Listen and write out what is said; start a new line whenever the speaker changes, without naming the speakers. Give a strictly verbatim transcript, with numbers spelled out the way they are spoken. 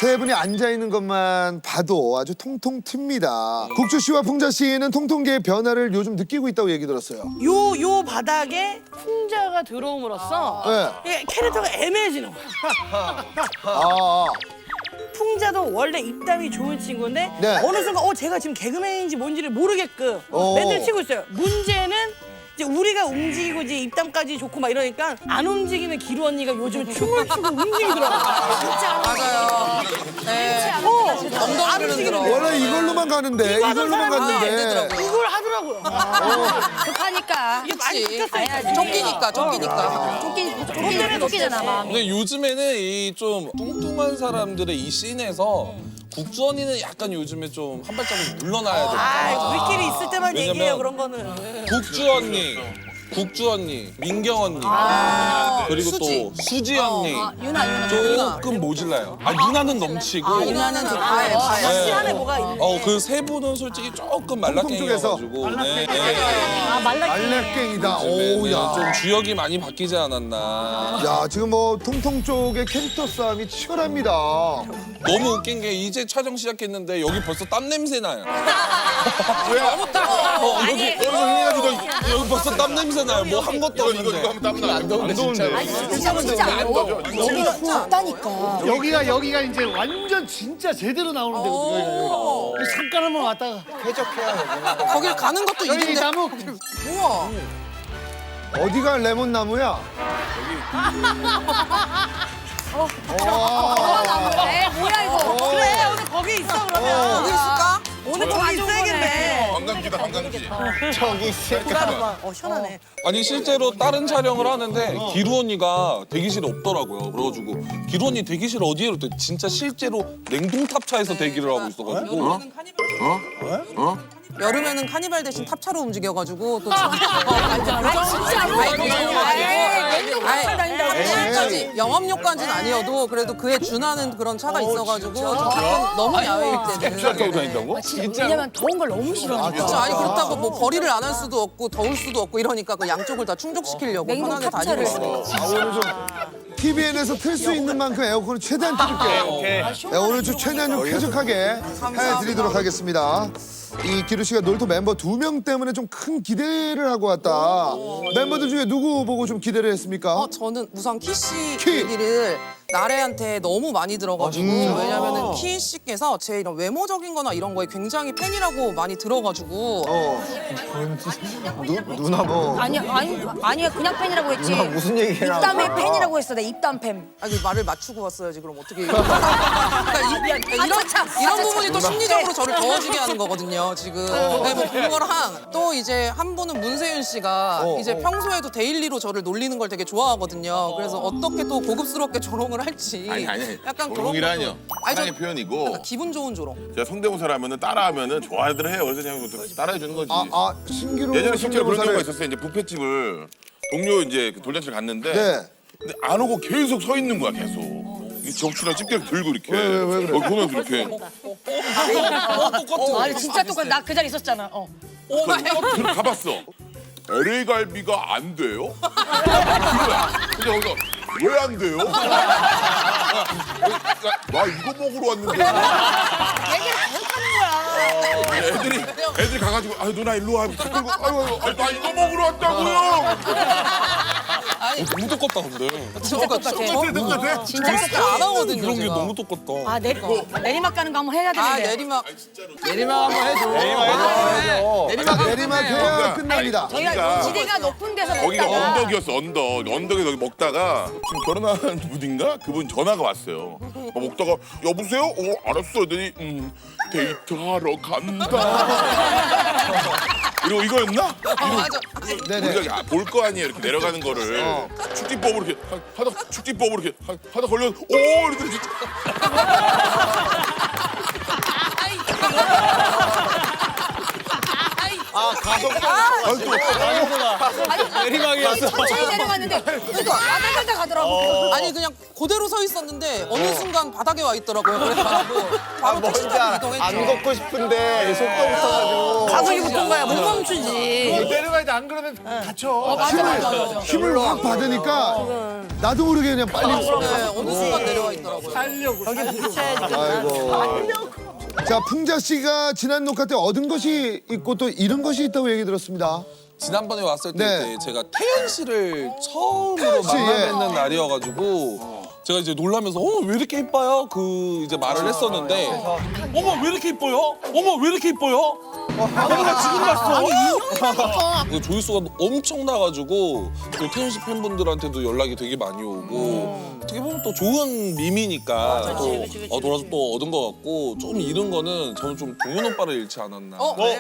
세 분이 앉아 있는 것만 봐도 아주 통통 튑니다. 국주 씨와 풍자 씨는 통통계의 변화를 요즘 느끼고 있다고 얘기 들었어요.
요, 요 바닥에 풍자가 들어옴으로써
네.
이게 캐릭터가 애매해지는 거야.
아,
풍자도 원래 입담이 좋은 친구인데
네.
어느 순간 어 제가 지금 개그맨인지 뭔지를 모르게끔
오.
멘트를 치고 있어요. 문제는 이제 우리가 움직이고 이제 입담까지 좋고 막 이러니까 안 움직이는 기루 언니가 요즘 춤을 추고 움직이더라고요.
진짜 맞아요. 네.
어,
엉덩이를
안 움직이는
흔들어.
원래 이걸로만 가는데
이거 하던
이걸로만
사람인데
갔는데
이걸 하더라고요.
급하니까.
이게 많이
그치.
바뀌었어요.
쫓기니까, 쫓기니까.
쫓기, 쫓기, 쫓기잖아, 마음이.
근데 요즘에는 이 좀 뚱뚱한 사람들의 이 씬에서 국주 언니는 약간 요즘에 좀 한 발자국 물러나야 돼.
아, 우리끼리 있을 때만
왜냐면
얘기해요 그런 거는.
국주 언니, 국주 언니, 민경 언니, 그리고
수지.
또 수지 언니
아, 유나, 유나.
조금 모질라요. 아 유나는 넘치고.
유나는 좀 아예
다시
아예.
안에 뭐가 있는데.
어 그 세 분은 솔직히 조금 말라깽이여가지고. 네, 네.
아, 말라.
알렉갱이다.
요즘에는
오야.
좀 주역이 많이 바뀌지 않았나.
야, 지금 뭐 통통 쪽의 캐릭터 싸움이 치열합니다.
너무 웃긴 게 이제 촬영 시작했는데 여기 벌써 땀 냄새 나요.
너무 따가워.
어, 여기 여기 여기 벌써 땀 냄새 나요. 뭐 한 것도 없는데.
안 더운데 진짜.
진짜, 진짜 안 더워. 여기가 덥다니까.
여기가 여기가 이제 완전 진짜 제대로 나오는 데거든요. 여기가. 잠깐 한번 왔다가
거길 가는 것도
여기
일인데.
나무
우와.
어디가 레몬나무야?
에 뭐야, 이거.
그래 오늘 거기 있어 그러면.
거기 있을까?
오늘 거기 있어야겠네.
관광지다 관광지.
보라봐. 어 시원하네.
아니 실제로 다른 촬영을 하는데 기루 언니가 대기실에 없더라고요. 그래가지고 기루 언니 대기실 어디에 그랬더니 진짜 실제로 냉동탑차에서 대기를 하고 있어가지고.
여름에는 카니발 대신 탑차로 움직여가지고 또 참- 어, 진짜
진짜로?
탑차까지 영업용까지는 아니어도 그래도 그에 준하는 그런 차가 있어가지고 저 가끔 너무 야외일 때는
타고 다닌다고?
왜냐면 더운 걸 너무 싫어하니까.
그렇죠. 아니 그렇다고 뭐 벌이를 안 할 수도 없고 더울 수도 없고 이러니까 그 양쪽을 다 충족시키려고
냉동
편하게
탑차를.
다니고 있어요.
아, 오늘 좀 티비엔에서 틀 수 있는 만큼 에어컨을 최대한 틀게요. 네, 오늘 좀 최대한 좀 쾌적하게 해드리도록 하겠습니다. 이 기루 씨가 놀토 멤버 두 명 때문에 좀 큰 기대를 하고 왔다. 멤버들 중에 누구 보고 좀 기대를 했습니까?
어, 저는 우선 키씨
키.
얘기를 나래한테 너무 많이 들어가지고 왜냐면은 키 씨께서 제 이런 외모적인 거나 이런 거에 굉장히 팬이라고 많이 들어가지고
어.
누나 뭐
아니야, 아니, 아니야, 그냥 팬이라고 했지.
무슨 얘기를 하고
입담의 팬이라고 했어, 내 입담 팬.
아니 말을 맞추고 왔어야지 그럼 어떻게 그러니까 이, 이런 이런 부분이 또 심리적으로 저를 더워지게 하는 거거든요 지금 네, 뭐 그거랑 또 이제 한 분은 문세윤 씨가 이제 평소에도 데일리로 저를 놀리는 걸 되게 좋아하거든요 그래서 어떻게 또 고급스럽게 조롱을 할지
아니 아니.
약간 그런
조롱이라뇨.
것도- 아니, 저-
사랑의 표현이고.
기분 좋은 조롱
제가 성대모사라면은 따라하면은 좋아들 해요. 그래서 그냥 따라해 주는 거지.
아, 아, 신기루
예전에 실제로 그런 경우가
성대모사를-
있었어요. 이제 뷔페집을 동료 이제 그 돌잔치를 갔는데
네.
근데 안 오고 계속 서 있는 거야 계속. 이 접시랑 집게를 들고 이렇게.
왜, 왜, 왜 그래?
어, 보면서 이렇게.
아니, 진짜 똑같아. 나 그 자리 있었잖아. 어.
들 가봤어. 엘에이 갈비가 안 돼요? 이거야. 근데 거기서 왜 안 돼요? 나 이거 먹으러 왔는데.
얘기를 계속 하는 거야.
애들이 애들이 가가지고 아 누나 일로 와. 자꾸 이거, 아유 아유 아유, 나 이거 먹으러 왔다고요.
어, 너무 똑같다 근데.
진짜 똑같아.
똑같아.
진짜
잘
똑같아.
안 하거든요
그런 게
제가.
너무 똑같다.
아, 내리, 내리막 가는 거 한번 해야
아
되는데.
내리막
내리막 한번 해줘.
자, 내리막 해야 끝납니다.
저희가 지대가 높은 데서
거기가
먹다가
언덕이었어 언덕. 언덕에서 여기 먹다가 지금 결혼한 분인가 그분 전화가 왔어요. 뭐 먹다가 여보세요? 어 알았어. 그랬더니 음 데이트하러 간다. 이러고 이거였나?
어, 맞아
네네.
우리가 볼 거 아니에요 이렇게 내려가는 거를 축지법으로 이렇게 하- 하다 축지법으로 이렇게 하- 하다 걸려 오 이러더니 진짜
내리막이었어.
천천히 내려갔는데 그러니까 아들한테 가더라고.
아니 그냥 그대로 서 있었는데 어느 순간 바닥에 와 있더라고요 그래가지고 바로 택시 타고 이동했죠
안 걷고 싶은데 속도 붙어가지고.
가속이 붙은 거야 못 멈추지.
내려가야 돼. 안 그러면 다쳐.
맞아, 맞아, 맞아.
힘을 확 받으니까 나도 모르게 그냥 빨리.
네, 어느 순간 내려와 있더라고요.
여기 부딪혀야지.
아이고. 자, 풍자 씨가 지난 녹화 때 얻은 것이 있고 또 잃은 것이 있다고 얘기 들었습니다.
지난번에 왔을 때
네.
제가 태연 씨를 처음으로
태연 씨,
만나
예.
뵙는 날이어가지고 제가 이제 놀라면서 어머 왜 이렇게 이뻐요? 그 이제 말을 했었는데 어머 왜 이렇게 이뻐요? 어머 왜 이렇게 이뻐요? 어머나 지금 봤어. 그 조회수가 엄청 나가지고 또 태연 씨 팬분들한테도 연락이 되게 많이 오고 어떻게 보면 또 좋은 밈이니까 또 어, 돌아서 또 얻은 것 같고 조금 잃은 거는 저는 좀 동현 오빠를 잃지 않았나.
어? 네.